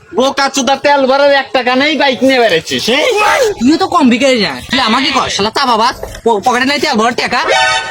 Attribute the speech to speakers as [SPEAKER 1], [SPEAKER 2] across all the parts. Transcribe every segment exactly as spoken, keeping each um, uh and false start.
[SPEAKER 1] বোকা চুদা তেল ভরার এক টাকা নেই, বাইক নিয়ে বেড়েছিস।
[SPEAKER 2] তুইও তো কম বিকারি না, তুই আমাকে কর শালা তা বাবা, পকেটে নাই তেল ভরার টাকা।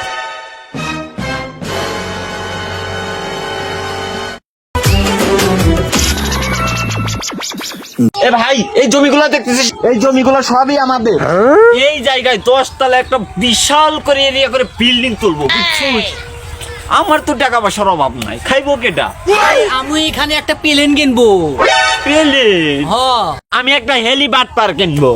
[SPEAKER 1] এ ভাই, এই জমিগুলো দেখতেছিস, এই জমিগুলো সবই আমাদের। এই জায়গায় দশ তলা একটা বিশাল করে এরিয়া করে বিল্ডিং তুলবো, বুঝছিস? আমার তো টাকা পয়সার অভাব নাই, খাইবো কেটা?
[SPEAKER 2] আমি এখানে একটা প্লেন কিনবো।
[SPEAKER 1] প্লেন?
[SPEAKER 2] হ,
[SPEAKER 1] আমি একটা হেলিবাট পার কিনবো।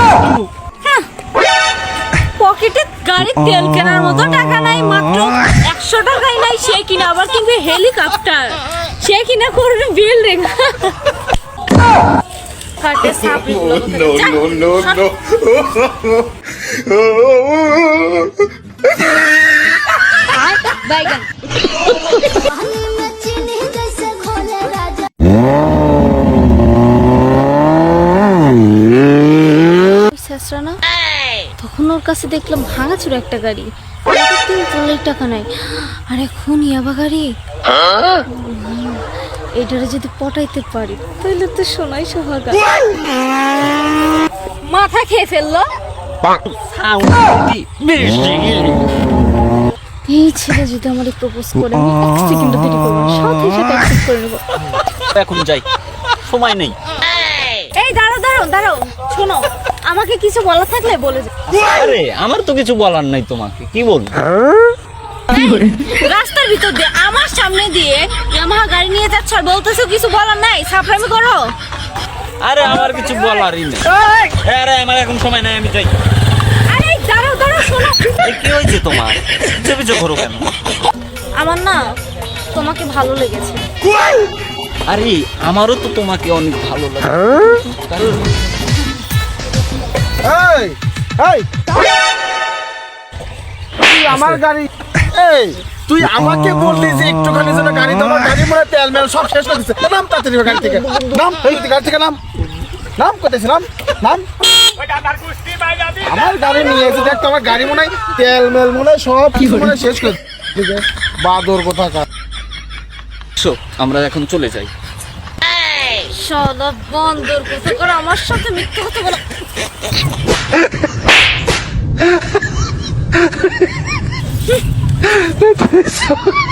[SPEAKER 3] পকেটে গাড়ির তেল কেনার মতো টাকা নাই, মাত্র একশো টাকাই নাই, সে কিনা আবার কিনবে হেলিকপ্টার, সে কিনা করবে বিল্ডিং। কাটে সাপড়ি গুলো বাইগান। না তখন ওর কাছে দেখলাম ভাঙাচুর একটা গাড়ি, তিন তলার টাকা নাই, আর এখন ইয়াবা গাড়ি। এটারে যদি পটাইতে পারি তাহলে তো সোনাই সোহাগা। মাথা খেয়ে ফেললো। এই ছেলে যদি আমারে প্রপোজ করে, আমি এক সেকেন্ড দেরি করব না, সাথে সাথে অ্যাকসেপ্ট করে নেব।
[SPEAKER 1] এখন যাই, সময় নেই।
[SPEAKER 3] এই দাঁড়াও দাঁড়াও দাঁড়াও, শোনো, আমাকে কিছু বলা থাকলে বলে যাও।
[SPEAKER 1] আরে আমার তো কিছু বলার নাই, তোমাকে কি বলবো?
[SPEAKER 3] রাস্তার ভিতর দিয়ে আমার সামনে দিয়ে ইয়ামাহা গাড়ি নিয়ে যাচ্ছ আর বলতেছো কিছু বলার নাই, সাফরামি করো।
[SPEAKER 1] আরে আমার কিছু বলারই নেই। আরে আমার এখন সময় নাই, আমি যাই।
[SPEAKER 3] আরে দাঁড়াও দাঁড়াও, শোনো।
[SPEAKER 1] এই কি হয়েছে তোমার? পিছে পিছে ঘোরো কেন?
[SPEAKER 3] আমার না তোমাকে ভালো লেগেছে।
[SPEAKER 1] আরে আমারও তো তোমাকে অনেক ভালো লাগে।
[SPEAKER 4] এই এই তুই আমার গাড়ি, এই তুই আমাকে বললি যে একটুখানি জন্য গাড়ি দাও, গাড়ি মনে তেল মেল সব শেষ করে দিচ্ছে। নাম তাড়াতাড়ি গাড়ি থেকে নাম, এই গাড়ি থেকে নাম নাম করতেছি, নাম নাম। আমার গাড়ি নিয়ে এসে দেখ, আমার গাড়ি মনে হয় তেল মেল মনে হয় সব কিছু মনে হয় শেষ করে দিচ্ছে। বাদর কোথাকার।
[SPEAKER 1] আমরা এখন চলে যাই।
[SPEAKER 3] শালা বন্দর কথা করে আমার সাথে মিথ্যা কথা বলো।